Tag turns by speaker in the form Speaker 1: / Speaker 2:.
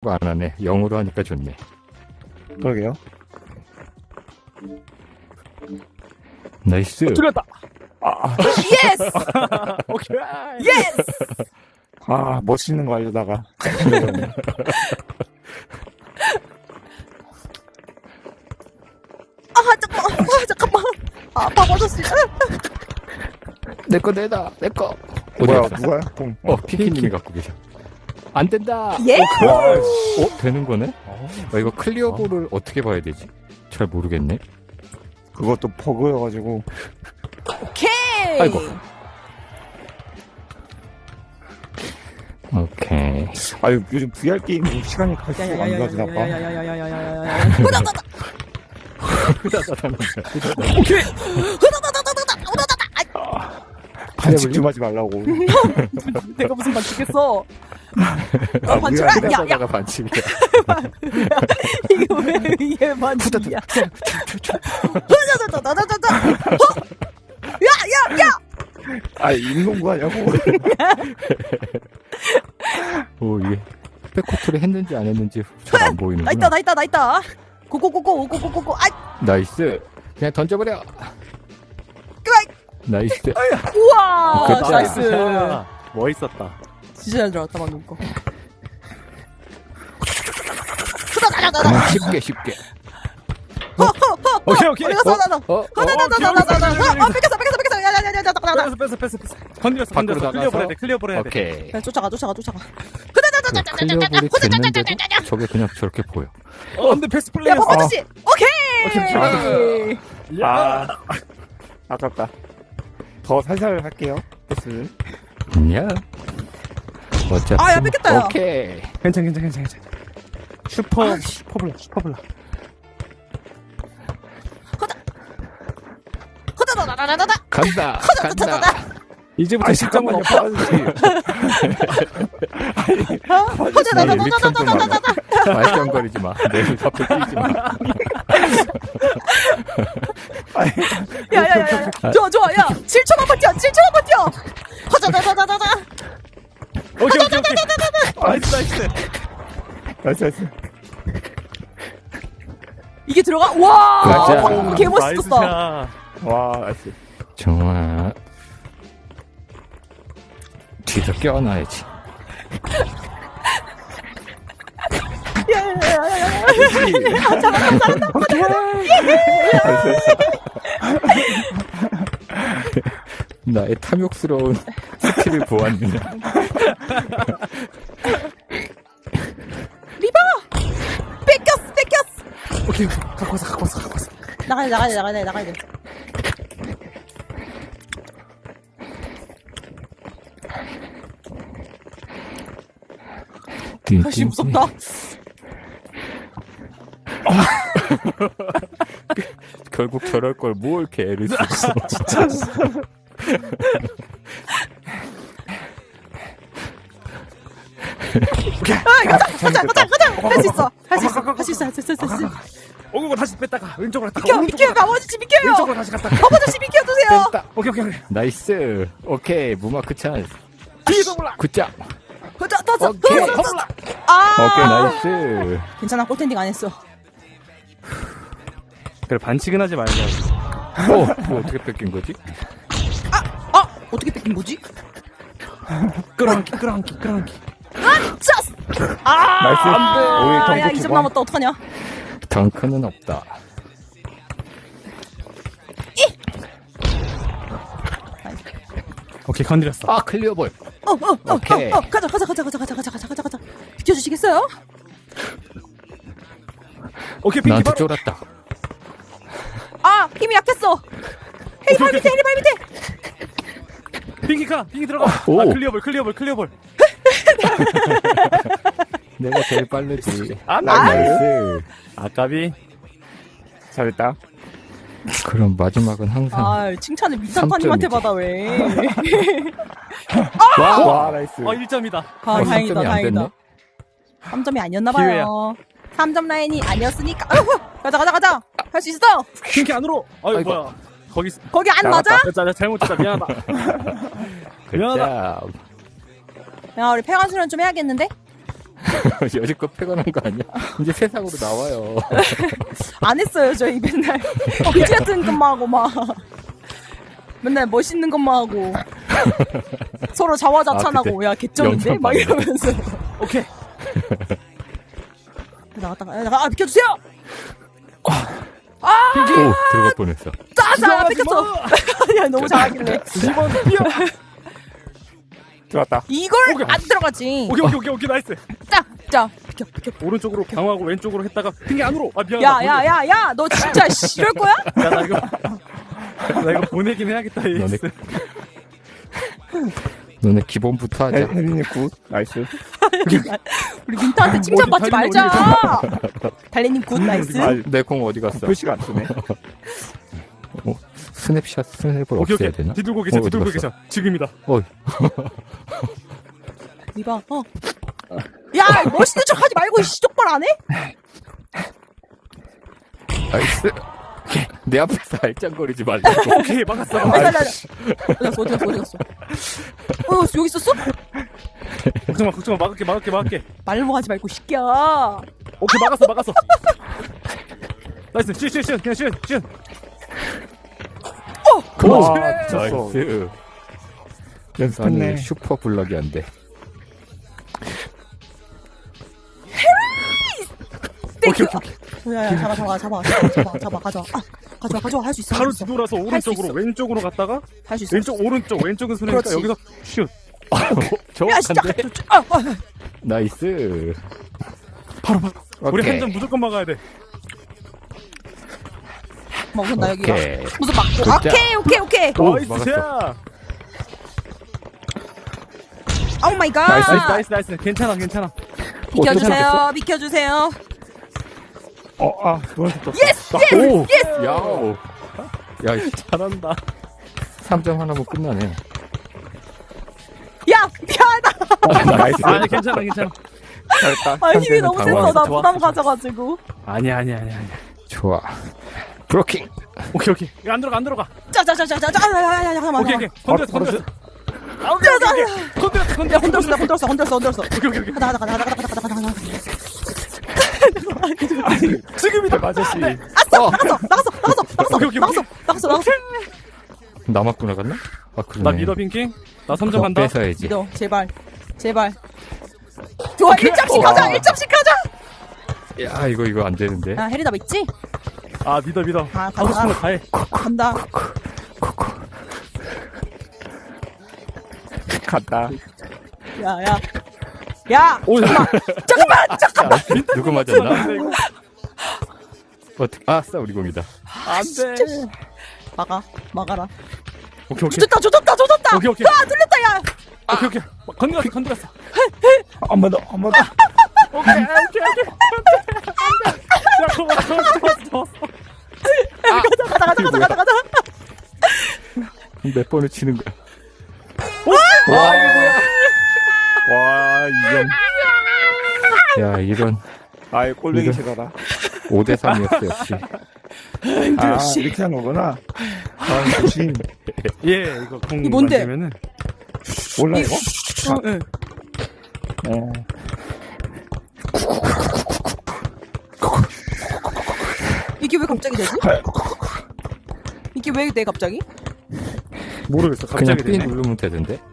Speaker 1: 안 하네. 영어로 하니까 좋네.
Speaker 2: 그러게요.
Speaker 1: 나이스.
Speaker 3: 들렸다.
Speaker 4: 예스!
Speaker 3: 오케이.
Speaker 4: 예스!
Speaker 2: 아, 멋있는 거 알려다가.
Speaker 4: 잠깐만. 밥 얻었어.
Speaker 1: 내거 내다. 내거.
Speaker 2: 뭐야, 누가요? 공.
Speaker 1: 피키님이 갖고 계셔. 안 된다.
Speaker 4: 예?
Speaker 1: 되는 거네? 이거 클리어볼을 어떻게 봐야 되지? 잘 모르겠네.
Speaker 2: 그것도 버그여가지고.
Speaker 4: 오케이.
Speaker 1: 아이고. 오케이.
Speaker 2: 아유, 요즘 VR 게임 시간이 갈수록 안 가지나 봐.
Speaker 3: 오케이.
Speaker 2: 반칙 좀 하지 말라고.
Speaker 4: 내가 무슨 반칙했어?
Speaker 2: 반칙.
Speaker 1: 후다다가 반칙이야.
Speaker 4: 이거 왜 이게 반칙이야? 야!
Speaker 2: 아, 인공구 하냐고.
Speaker 1: 오, 이게 백코트를 했는지 안 했는지 잘 안 보이는구나.
Speaker 4: 나 있다. 고고고고. 아이,
Speaker 1: 나이스. 그냥 던져버려. 나이스.
Speaker 4: 우와,
Speaker 1: 그렇죠.
Speaker 4: 나이스.
Speaker 3: 멋있었다.
Speaker 4: 진짜 잘 들어갔다 방금 거.
Speaker 1: 그냥 쉽게.
Speaker 3: 오케이.
Speaker 4: 뺏겼어.
Speaker 3: 뺐어. 건드렸어.
Speaker 1: 밖으로 나가서.
Speaker 3: 클리어볼 해야 돼.
Speaker 1: 오케이.
Speaker 4: 쫓아가.
Speaker 1: 클리어볼이 됐는데도 저게 그냥 저렇게 보여.
Speaker 3: 근데 베스트
Speaker 4: 야,
Speaker 3: 플레이였어.
Speaker 4: 버퍼지. 오케이.
Speaker 2: 아, 아깝다. 더 살살 할게요. 패스.
Speaker 1: 야. 어차피.
Speaker 4: 아, 야, 뺏겼다, 야.
Speaker 1: 오케이.
Speaker 3: 괜찮아. 슈퍼블라.
Speaker 1: 간다.
Speaker 3: 이제부터 시작은 없다.
Speaker 1: 말썽거리지 마. 내일 앞에 끼지 마.
Speaker 4: 야. 좋아. 야, 7초만 버텨.
Speaker 3: 오케이.
Speaker 2: 나이스.
Speaker 4: 이게 들어가? 와!
Speaker 1: 가자.
Speaker 4: 개 멋있었다.
Speaker 2: 와, 나이스.
Speaker 1: 정말 뒤에서 껴안아야지. 나의 탐욕스러운 스킬을 보았느냐.
Speaker 4: 리버! 뺏겼어.
Speaker 3: 오케이. 갖고 왔어.
Speaker 4: 나가야 돼. 다시 무섭다.
Speaker 1: 결국 저럴 걸 뭘 이렇게 애를 쓰고.
Speaker 3: 진짜.
Speaker 4: 가자. 할 수 있어.
Speaker 3: 오고 다시 뺐다가 왼쪽으로 갔다가
Speaker 4: 비켜. 아버지 비켜요.
Speaker 3: 왼쪽으로 다시 갔다가
Speaker 4: 아버지 비켜주세요.
Speaker 3: 뺐다. 오케이.
Speaker 1: 나이스. 오케이. 무마크 찬스.
Speaker 3: 뒤에서 몰라.
Speaker 1: 굿잡.
Speaker 4: 오케이.
Speaker 1: 오케이. 나이스.
Speaker 4: 괜찮아. 골텐딩 안 했어.
Speaker 3: 그래 반칙은 하지 말자.
Speaker 1: 뭐 어떻게 뺏긴 거지?
Speaker 4: 어떻게 뺏긴 거지?
Speaker 3: 끌어안기.
Speaker 4: 짜스!
Speaker 2: 나이스. 우리
Speaker 4: 야, 2점 남았다. 어떡하냐?
Speaker 1: 덩크는 없다.
Speaker 3: 오케이 건드렸어.
Speaker 1: 클리어볼. 오케이.
Speaker 4: 가자. 비켜주시겠어요?
Speaker 3: 오케이 핑키
Speaker 1: 나한테
Speaker 3: 바로.
Speaker 1: 쫄았다.
Speaker 4: 힘이 약했어. 헤이, 발 밑에.
Speaker 3: 핑키 들어가.
Speaker 1: 오.
Speaker 3: 클리어볼.
Speaker 1: 내가 제일 빠르지.
Speaker 3: 나이스. 아까비.
Speaker 2: 잘했다.
Speaker 1: 그럼 마지막은 항상.
Speaker 4: 칭찬을 미사파님한테
Speaker 1: 3점이지.
Speaker 4: 받아, 왜.
Speaker 2: 와, 나이스.
Speaker 3: 1점이다.
Speaker 4: 다행이다.
Speaker 1: 3점이 안 됐네.
Speaker 4: 3점이 아니었나봐요. 3점 라인이 아니었으니까. 가자. 할 수 있어.
Speaker 3: 핑키 안으로.
Speaker 1: 아이고.
Speaker 3: 뭐야.
Speaker 4: 거기 안 맞아?
Speaker 3: 잘못했다. 미안하다. 미안하다.
Speaker 1: 굿잡.
Speaker 4: 야, 우리 폐관수련 좀 해야겠는데?
Speaker 1: 여지껏 패거난 거 아니야? 이제 세상으로 나와요.
Speaker 4: 안 했어요, 저희 맨날. 그지 같은 것만 하고 막. 맨날 멋있는 것만 하고. 서로 자화자찬하고, 야, 개쩌는데?
Speaker 1: 영상
Speaker 4: 막
Speaker 1: 봤네.
Speaker 4: 이러면서.
Speaker 3: 오케이.
Speaker 4: 나갔다가, 비켜주세요!
Speaker 1: 오, 들어갈 뻔했어.
Speaker 4: 짜자! 뺏겼어! 야, 너무 잘하길래.
Speaker 3: 2번 뛰어.
Speaker 2: 들어왔다.
Speaker 4: 이걸
Speaker 3: 오케이.
Speaker 4: 안 들어가지.
Speaker 3: 오케이, 나이스.
Speaker 4: 짜! 비켜.
Speaker 3: 오른쪽으로 강화하고 왼쪽으로 했다가 핑계 안으로. 아, 미안하다.
Speaker 4: 야, 너 진짜 이럴 거야?
Speaker 3: 야, 나 이거 보내긴 해야겠다,
Speaker 1: 너네,
Speaker 3: AS.
Speaker 1: 너네 기본부터 하자.
Speaker 2: 혜린이 굿. 나이스.
Speaker 4: 우리 민타한테 칭찬받지
Speaker 3: 달리는
Speaker 4: 말자. 달래님 굿 나이스.
Speaker 2: 아,
Speaker 1: 내 공 어디 갔어?
Speaker 2: 표시가 안 뜨네.
Speaker 1: 스냅샷 스냅을
Speaker 3: 오케이.
Speaker 1: 없애야 되나?
Speaker 3: 뒤돌고 계셔,
Speaker 1: 어디
Speaker 3: 뒤돌고
Speaker 1: 갔어?
Speaker 3: 계셔. 지금이다.
Speaker 4: 이봐. 야, 멋있는 척 하지 말고 씨 똑바로 안 해?
Speaker 1: 나이스. 내 앞에서 알짱거리지 말라고.
Speaker 3: 오케이, 막았어.
Speaker 4: 살려. 어디 갔어? 여기 있었어?
Speaker 3: 걱정 마. 막을게.
Speaker 4: 말로 하지 말고 시끼야.
Speaker 3: 오케이, 막았어. 나이스, 슛. 그냥 슛.
Speaker 2: 와, 미쳤어.
Speaker 1: 나이스.
Speaker 2: 연습했네.
Speaker 1: 아니, 슈퍼 블럭이 안 돼.
Speaker 3: 오케이.
Speaker 4: 야, 잡아. 가져와. 가져와. 할 수 있어.
Speaker 3: 바로 뒤돌아서 오른쪽으로, 왼쪽으로 갔다가,
Speaker 4: 할 수 있어.
Speaker 3: 왼쪽은 손해니까
Speaker 4: 그렇지.
Speaker 3: 여기서 슛.
Speaker 4: 야, 진짜.
Speaker 1: 정확한데? 나이스.
Speaker 3: 바로. 우리
Speaker 1: 오케이.
Speaker 3: 한 점 무조건 막아야 돼.
Speaker 4: 뭐 우선 나 여기 와.
Speaker 1: 오케이.
Speaker 4: 무슨 막고.
Speaker 1: 굿자.
Speaker 4: 오케이.
Speaker 1: 오,
Speaker 3: 나이스,
Speaker 1: 막았어.
Speaker 3: 샷.
Speaker 4: 오 마이 갓.
Speaker 3: 나이스. 괜찮아.
Speaker 4: 비켜주세요.
Speaker 2: 너한테 떴어.
Speaker 1: 오! 야오. 야,
Speaker 3: 잘한다.
Speaker 1: 3점 하나면 끝나네.
Speaker 4: 야, 미안하다.
Speaker 2: 나이스.
Speaker 3: 아니, 괜찮아.
Speaker 2: 잘했다.
Speaker 4: 아, 힘이 너무
Speaker 1: 당황했어.
Speaker 4: 셌어. 나
Speaker 3: 좋아.
Speaker 4: 부담 가져가지고.
Speaker 3: 아니야.
Speaker 1: 좋아. 브로킹.
Speaker 3: 오케이. 이거 안 들어가.
Speaker 4: 짜자자자자. 잠깐만.
Speaker 3: 오케이. 건드렸어.
Speaker 4: 혼들었어.
Speaker 3: 오케이.
Speaker 4: 가자.
Speaker 3: 지금이다.
Speaker 2: 아저씨.
Speaker 3: 오케이.
Speaker 4: 나갔어.
Speaker 1: 남았구나 갔나? 아, 그러네.
Speaker 3: 나 믿어, 핑킹. 나 3점
Speaker 1: 그럼
Speaker 3: 간다.
Speaker 1: 뺏어야지.
Speaker 4: 믿어, 제발. 좋아, 1점씩 가자.
Speaker 1: 야, 이거 안 되는데.
Speaker 4: 아, 혜리나 믿지?
Speaker 3: 아, 믿어.
Speaker 4: 아,
Speaker 3: 하고 싶은 거 다 해.
Speaker 4: 간다.
Speaker 2: 갔다.
Speaker 4: 야,
Speaker 3: 오,
Speaker 4: 잠깐만.
Speaker 1: 누구 맞았나? 어떻게? 아싸, 우리 공이다.
Speaker 3: 안 돼.
Speaker 4: 막아라.
Speaker 3: 오케이.
Speaker 4: 조졌다.
Speaker 3: 오케이.
Speaker 4: 아, 뚫렸다, 야.
Speaker 3: 오케이. 건드렸어.
Speaker 2: 한 번 더.
Speaker 3: 오케이. 야, 좋았어.
Speaker 4: 가자.
Speaker 1: 몇 번을 치는 거야?
Speaker 2: 와, 이게 뭐야. 와, 2점.
Speaker 1: 야, 이런
Speaker 2: 아이, 꼴뱅이
Speaker 1: 이거-
Speaker 2: 제가라.
Speaker 1: 5대3이었어, 역시.
Speaker 2: 이렇게 하는 거구나. 조심.
Speaker 3: 예, 이거 공
Speaker 4: 이 뭔데?
Speaker 3: 만지면은
Speaker 2: 몰라, 이거?
Speaker 4: 응. 이게 왜 갑자기 되지? 이게 왜 돼, 갑자기?
Speaker 3: 모르겠어.
Speaker 1: 그냥
Speaker 3: 갑자기
Speaker 1: 삐
Speaker 3: 되네.
Speaker 1: 누르면 되던데?